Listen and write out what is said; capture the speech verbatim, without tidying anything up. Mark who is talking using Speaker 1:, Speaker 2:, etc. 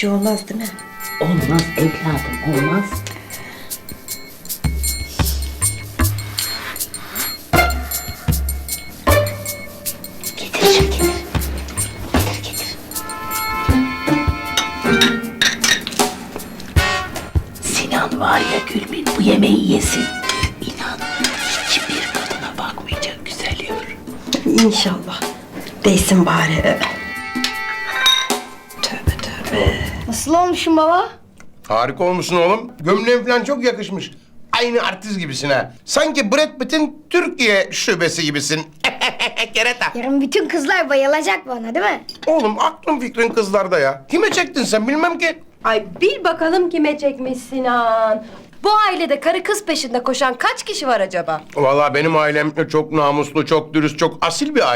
Speaker 1: şey olmaz değil mi?
Speaker 2: Olmaz evladım, olmaz. Getir, getir. Getir, getir. Sinan var ya Gülbin, bu yemeği yesin. İnan, hiçbir kadına bakmayacak güzel yavrum.
Speaker 1: İnşallah. Değsin bari. Tövbe tövbe.
Speaker 3: Nasıl olmuşum baba?
Speaker 4: Harika olmuşsun oğlum. Gömleğin falan çok yakışmış. Aynı artist gibisin ha. Sanki Brad Pitt'in Türkiye şubesi gibisin. Kereta.
Speaker 3: Yarın bütün kızlar bayılacak bana değil mi?
Speaker 4: Oğlum aklın fikrin kızlarda ya. Kime çektin sen bilmem ki.
Speaker 5: Ay bil bakalım kime çekmiş Sinan. Bu ailede karı kız peşinde koşan kaç kişi var acaba?
Speaker 4: Vallahi benim ailem çok namuslu, çok dürüst, çok asil bir aile.